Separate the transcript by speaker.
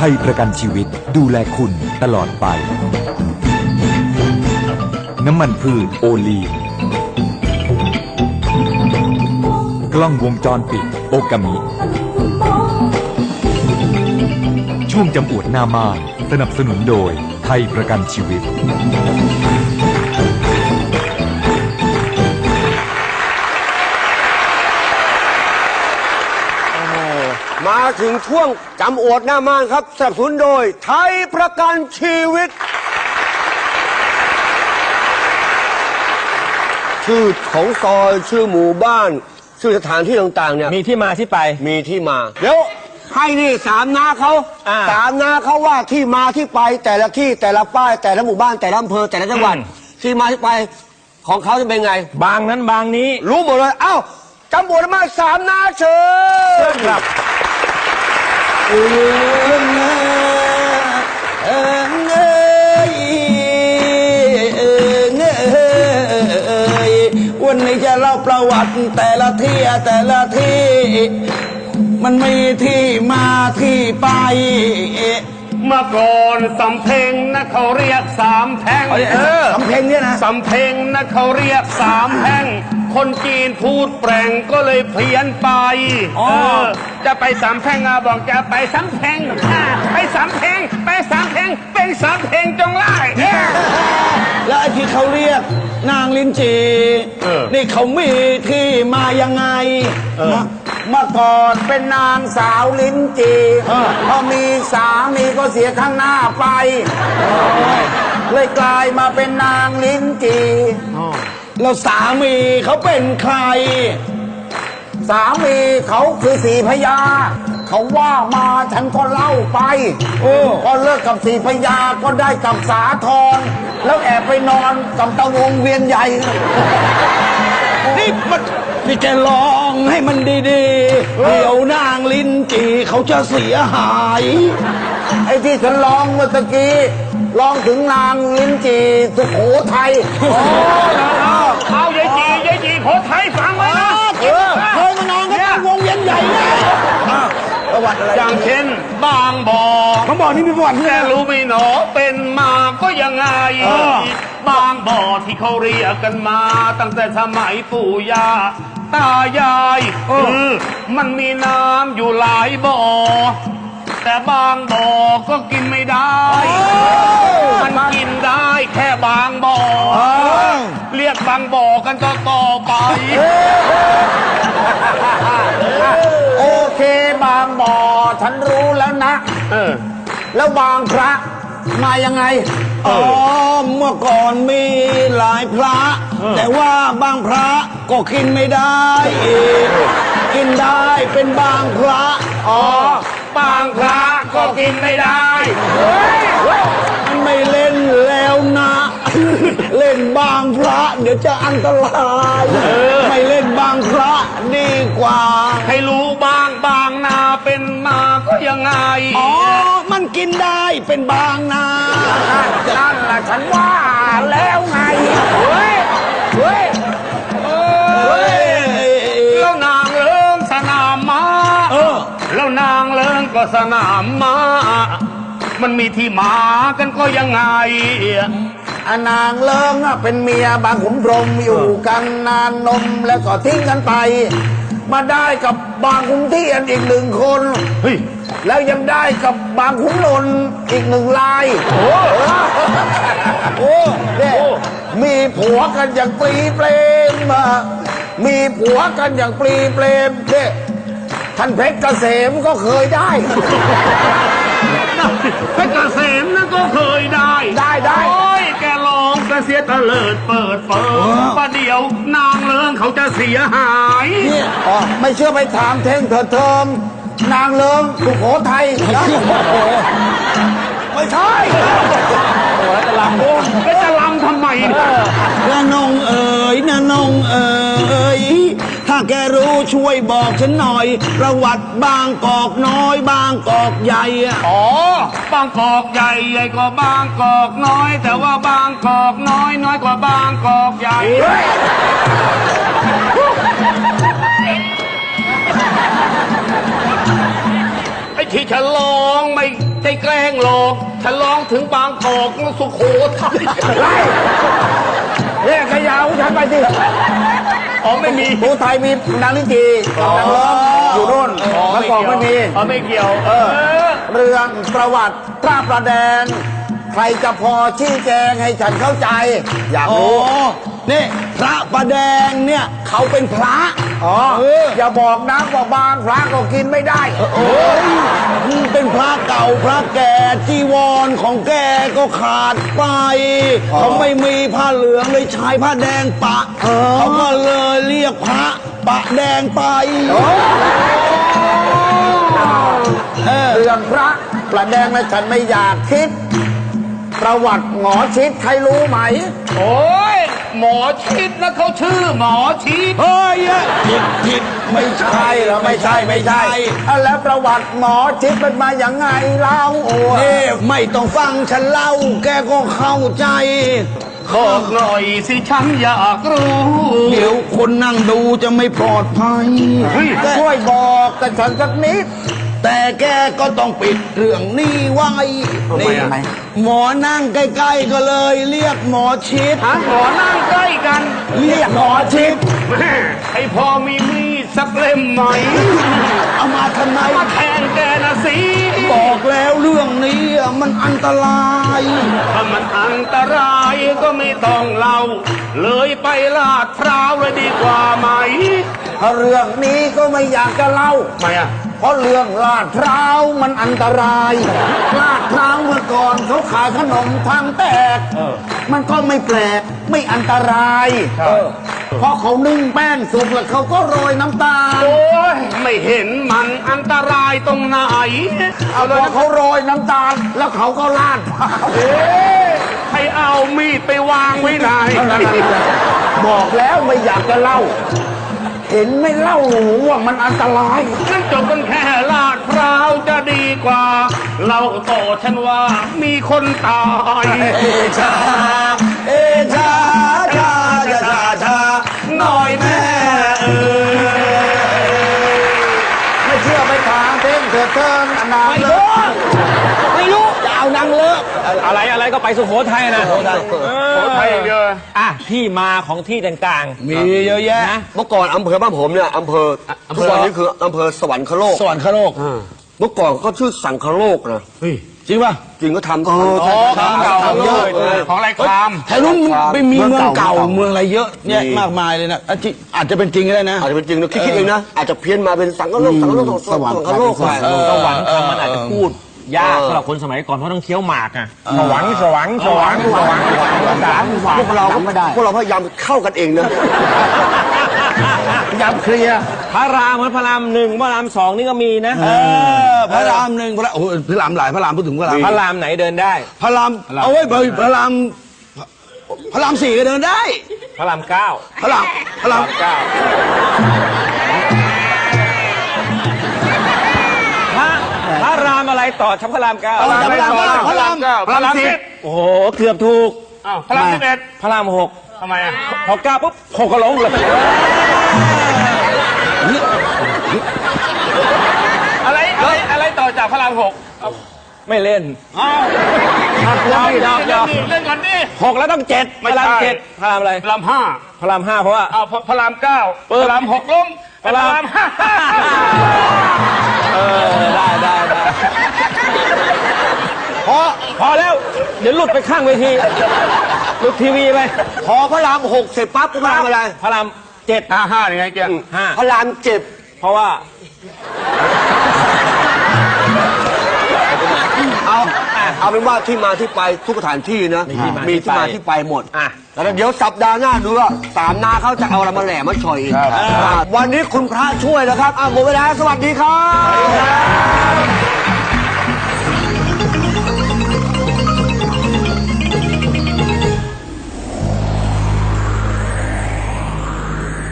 Speaker 1: ยประกันชีวิตดูแลคุณตลอดไปน้ำมันพืชโอลีนกล้องวงจรปิดโอกามิช่วงจำอวดหน้าม่านสนับสนุนโดยไทยประกันชีวิต
Speaker 2: มาถึงช่วงจำอวดหน้าม่านครับสนับสนุนโดยไทยประกันชีวิตชื่อของซอยชื่อหมู่บ้านชื่อสถานที่ต่างๆเนี่ย
Speaker 3: มีที่มาที่ไป
Speaker 2: มีที่มาเดี๋ยวให้นี่สามน้าเขาว่าที่มาที่ไปแต่ละที่แต่ละป้ายแต่ละหมู่บ้านแต่ละอำเภอแต่ละจังหวัดที่มาที่ไปของเขาจะเป็นไง
Speaker 3: บางนั้นบางนี้
Speaker 2: รู้หมดเลยเอ้าจำบวชมาสามน้าเชิญ
Speaker 3: ครับ
Speaker 4: วันนี้จะเล่าประวัติแต่ละที่มันมีที่มาที่ไป
Speaker 3: เมื่อก่อนสำเพ็งนะเขาเรียกสามแพร่ง
Speaker 4: สำเพ็งเนี่ยนะ
Speaker 3: สำเพ็งนะเขาเรียกสามแพร่งคนจีนพูดแปลงก็เลยเพี้ยนไปจะไปสามแพร่งบอกจะไปสามแพร่งไปสามแพร่งไปสามแพร่งเป็นสามแพร่งจงไล่
Speaker 4: แล้วไอ้ที่เขาเรียกนางลิ้นจีนี่เขามีที่มายังไงเมื่อก่อนเป็นนางสาวลิ้นจีพอมีสามีก็เสียข้างหน้าไปเลยกลายมาเป็นนางลิ้นจีแล้วสามีเขาเป็นใครสามีเขาคือสีพญาเขาว่ามาฉันก็เล่าไปพอเลิกกับสีพญาก็ได้กับสาธรแล้วแอบไปนอนกับตะวงเวียนใหญ่นี่แกลองให้มันดีๆเดี๋ยวนางลิ้นจีเขาจะเสียหายไอ้ที่ฉันลองเมื่อตะกี้ลองถึงนางลิ้นจีสุโขทัย
Speaker 3: เอายายจีโขทัยฟังไว้นะ
Speaker 4: เคยมานอนกับวงเวียนใหญ่เลยประวัติอะไร
Speaker 3: อย่างเช่นบางบ่อ
Speaker 4: นี่มีประวัติ
Speaker 3: แต่รู้ไม่หนอเป็นมาก็ยังไงบางบ่อที่เขาเรียกกันมาตั้งแต่สมัยปู่ย่าตายายมันมีน้ำอยู่หลายบ่อแต่บางบ่อก็กินไม่ได้มันกินได้แค่บางบ่อเรียกบางบ่อกันต่อไป
Speaker 4: โอเคบางบ่อฉันรู้แล้วนะแล้วบางพระมายังไงเมื่อก่อนมีหลายพระแต่ว่าบางพระก็กินไม่ได้กินได้เป็นบางพระ
Speaker 3: บางพระก็กินไม่ได้
Speaker 4: ไม่เล่นแล้วนะเล่นบางพระเดี๋ยวจะอันตรายไม่เล่นบางพระดีกว่า
Speaker 3: ให้รู้บางนาเป็นมาก็ยังไง
Speaker 4: มันกินได้เป็นบางนา
Speaker 3: นั่นแหละฉันว่าแล้วไงแล้วนางเลิงสนามม้าแล้วนางเลิงก็สนามม้ามันมีที่มากันก็ยังไง
Speaker 4: นางเลิงเป็นเมียบางขุนพรหมอยู่กันนานนมแล้วก็ทิ้งกันไปมาได้กับบางขุนเทียนอีก1 คนแล้วยังได้กับบางขุนนนท์อีก1 ลายเนี่ยมีผัวกันอย่างปลีเปรมมีผัวกันอย่างปลีเปรมเนี่ยท่านเพชรเกษมก็เคยได้
Speaker 3: เพชรเกษมนั่นก็เคยได้โอ้ยแกลองก็เสียตะเลิดเปิดประเดี๋ยวนางเลิงเขาจะเสียหาย
Speaker 4: เนี่ยไม่เชื่อไปถามเท่งเทิมนางเลิงสุโขทัยไม่ใช่
Speaker 3: จะลำแล้วจะลำทำไม
Speaker 4: น้านงเอ๋ยน้านงเอ๋ยถ้าแกรู้ช่วยบอกฉันหน่อยประวัติบางกอกน้อยบางกอกใหญ่
Speaker 3: บางกอกใหญ่ใหญ่กว่าบางกอกน้อยแต่ว่าบางกอกน้อยน้อยกว่าบางกอกใหญ่ไอ้ที่ฉลองไม่ใจแกล้งหลอกฉลองถึงบางกอกสุโขทัย
Speaker 4: เรียกขยาวฉันไปสิ
Speaker 3: อ๋อไม่มี
Speaker 4: ภูไทยมีนางลิ้นจีนางร้องอยู่โน่นเมื่อก่อนไม่มี
Speaker 3: อ๋อไม่เกี่ยว
Speaker 4: เรื่องประวัติพระประแดงใครจะพอชี้แจงให้ฉันเข้าใจ อยากรู้นี่พระประแดงเนี่ยเขาเป็นพระอย่าบอกนะว่าบางพระก็กินไม่ได้เป็นพระเก่าพระแก่จีวรของแกก็ขาดไปเขาไม่มีผ้าเหลืองเลยใช้ผ้าแดงปะเขาก็เลยเรียกพระปะแดงไปเรื่องพระประแดงนะฉันไม่อยากคิดประวัติหมอชิดใครรู้ไหม
Speaker 3: โอ้ยหมอชิดนะเขาชื่อหมอชิด
Speaker 4: เฮ้ยผิดไม่ใช่เหรอไม่ใช่แล้วประวัติหมอชิดเป็นมาอย่างไงเล่านี่ไม่ต้องฟังฉันเล่าแกก็เข้าใจ
Speaker 3: บอกหน่อยสิฉันอยากรู้
Speaker 4: เดี๋ยวคนนั่งดูจะไม่ปลอดภัย
Speaker 3: เฮ้ย
Speaker 4: ช่วยบอกกับฉันสักนิดแต่แกก็ต้องปิดเรื่องนี้ไว้นี่หมอนั่งใกล้ๆก็เลยเรียกหมอชิด
Speaker 3: หมอนั่งใกล้กัน
Speaker 4: เรียกหมอชิด
Speaker 3: แม่ไอพอมีมีดสักเล่มไหม
Speaker 4: เอามาทำไม
Speaker 3: มาแทนแกนะสิ
Speaker 4: บอกแล้วเรื่องนี้มันอันตราย
Speaker 3: ถ้ามันอันตรายก็ไม่ต้องเล่า เลยไปลาดพร้าวเลยดีกว่าไหม
Speaker 4: ถ้าเรื่องนี้ก็ไม่อยากจะเล่า
Speaker 3: ทำไมอ่ะ
Speaker 4: เพราะเรื่องลาดพร้าวมันอันตราย ลาดพร้าวเมื่อก่อนเขาขายขนมทางแตก มันก็ไม่แปลกไม่อันตรายเพราะเขานึ่งแป้งสุกแล้วเขาก็โรยน้ำตาล
Speaker 3: โอ้ยไม่เห็นมันอันตรายตรงไหน
Speaker 4: เอาเลยเขาโรยน้ำตาลแล้วเขาก็ลาดพร้าว
Speaker 3: ให้เอามีดไปวางไว้ไหน
Speaker 4: บอกแล้วไม่อยากจะเล่า เห็นไม่เล่าหนูว่ามันอันตราย
Speaker 3: งั้นจบกันแค่ลาดพร้าวจะดีกว่า เราต่อฉันว่ามีคนตาย
Speaker 4: ชาชาหน่อยแม่ไม่เชื่อไปถามเพ่งเถิดเทินนางเลิกไม่รู้จะเอานางเลิก
Speaker 5: อะไรก็ไปสุโขทัยนะ
Speaker 3: โอ้ไทยอย่างเดียว
Speaker 5: อ่ะที่มาของที่ต่าง
Speaker 4: มีเยอะแยะ
Speaker 2: เมื่อก่อนอำเภอบ้านผมเนี่ยอำเภอทุกวันนี้คืออำเภอสวรรคโลก
Speaker 4: สวรรคโลก
Speaker 2: เมื่อก่อนก็ชื่อสังคโลกนะ
Speaker 4: จริงป่ะ
Speaker 2: จริงก็ทำ
Speaker 3: ของเก่าเลยของไรคราม
Speaker 4: แถวนู้นไม่มีเมืองเก่าเมืองอะไรเยอะแยะมากมายเลยนะอาจจะเป็นจริงก็ได้นะ
Speaker 2: อาจจะเป็นจริงนะคิดเองนะอาจจะเพี้ยนมาเป็นสังคโลกสวรรคโลกไป
Speaker 5: ๆสวรรค์คำมันอาจจะพูดยากสำหรับคนสมัยก่อนเพราะต้องเคี้ยวหมากอะสวรรค์
Speaker 2: พวกเราพยายามเข้ากันเองนะ
Speaker 4: ย้ำเคลียร์
Speaker 5: พระรามพระรามหนึ่งพระรามสองนี่ก็มีนะ
Speaker 4: พระรามหนึ่งพระโอ้โหพระรามหลายพระรามพูดถึงพระราม
Speaker 5: พระรามไหนเดินได้
Speaker 4: พระรามเอาไว้พระรามพระรามสี่ก็เดินได้
Speaker 5: พระรามเก้า
Speaker 4: พระราม
Speaker 5: เก้าพระรามอะไรต่อชับพระรามเก้า
Speaker 4: พระรามพระราม
Speaker 3: พระรามสิบ
Speaker 5: โอ้โหเกือบถูก
Speaker 3: อ้าวพระราม11
Speaker 5: พระรามหก
Speaker 3: ทำไมอ่ะ
Speaker 5: พอเก้าปุ๊บหกก็ลงเลย
Speaker 3: อะไรต่อจากพระราม6
Speaker 5: ไม่เล่น
Speaker 3: เล่นก่อนดิ
Speaker 5: หกแล้วต้องเจ็ดพ
Speaker 3: ไม่
Speaker 5: ระราม
Speaker 3: ใช่
Speaker 5: เจ็ดพระรามอะไร
Speaker 3: พระราม5
Speaker 5: พระรามห้าเพราะว่า
Speaker 3: อ้าวพระราม9พระราม6ล้มพระราม5
Speaker 5: ได้พอแล้ว เดี๋ยวหลุดไปข้างเวทีหลุดทีวีไป
Speaker 2: พอพระราม6เสร็จปั๊บก็พระรามอะไร
Speaker 5: พระรามเจ็ด
Speaker 3: 5ยังไงเกียร์
Speaker 5: ห้า
Speaker 2: พระราม7
Speaker 5: เพราะว่า
Speaker 2: เอาเป็นว่าที่มาที่ไปทุกสถานที่นะมีที่มาที่ไปหมดแล้วเดี๋ยวสัปดาห์หน้าดูว่าสามนาเขาจะเอาอะไรมาแหล่มาชอยอีกวันนี้คุณพระช่วยแล้วครับหมดเวลาสวัสดีครับ